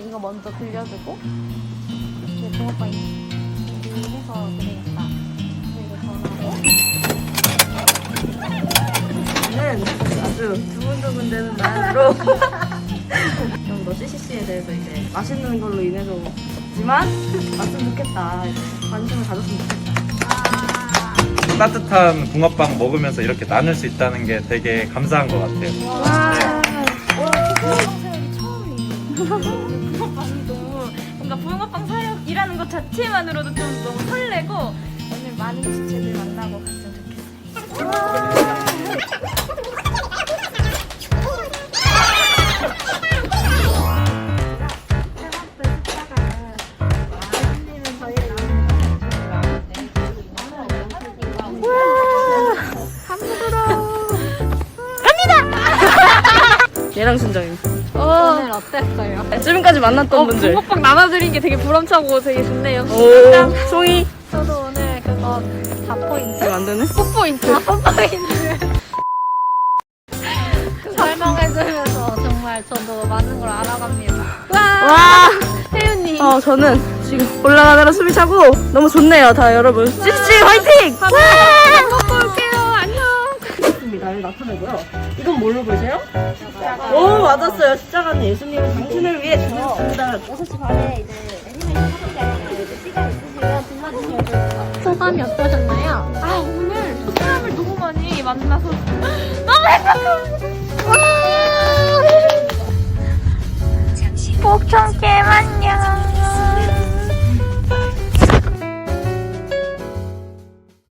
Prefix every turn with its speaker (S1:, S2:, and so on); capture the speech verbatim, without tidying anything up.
S1: 이거 먼저 들려주고 이렇게 붕어빵 준비해서 드리겠다. 그리고 전화로
S2: 는 아주 두근두근 되는 마음으로 좀 더 씨씨씨에 대해서 이제 맛있는 걸로 인해서 없지만 왔으면 좋겠다. 이제 관심을 가졌으면 좋겠다.
S3: 따뜻한 붕어빵 먹으면서 이렇게 나눌 수 있다는 게 되게 감사한 것 같아요.
S1: 와, 와, 붕어빵 사연이 처음이에요. 붕어빵이 너무 뭔가 붕어빵 사연이라는 것 자체만으로도 좀 너무 설레고 오늘 많은 지체들 만나고 갔으면 좋겠어요.
S2: 얘랑 순정이.
S1: 오늘 어땠어요?
S2: 지금까지 만났던
S1: 어,
S2: 분들.
S1: 붕어빵 나눠드린 게 되게 보람차고 되게 좋네요.
S2: 오, 송이.
S1: 저도 오늘 그거 사 포인트.
S2: 이거 안 되네?
S1: 사 포인트. 사 포인트. 설명해주면서 정말 저도 많은 걸 알아갑니다. 와!
S2: 와.
S1: 혜윤님.
S2: 어, 저는 지금 올라가느라 숨이 차고 너무 좋네요, 다 여러분. 씨씨 화이팅!
S1: 먹고 올게요. 안녕.
S2: 나를 나타내고요. 이건 뭘로 보세요? 오, 맞았어요. 십자가는 예수님은 당신을 위해 죽으셨습니다.
S1: 여섯 시 반에 이제 애니메이션 하는데 이제 시간 있으시면 들러주시면 좋을 것 같아요. 소감이 어떠셨나요? 아, 오늘 사람을 너무 많이 만나서 너무 행복합니다. 와! 복청 게임 안녕.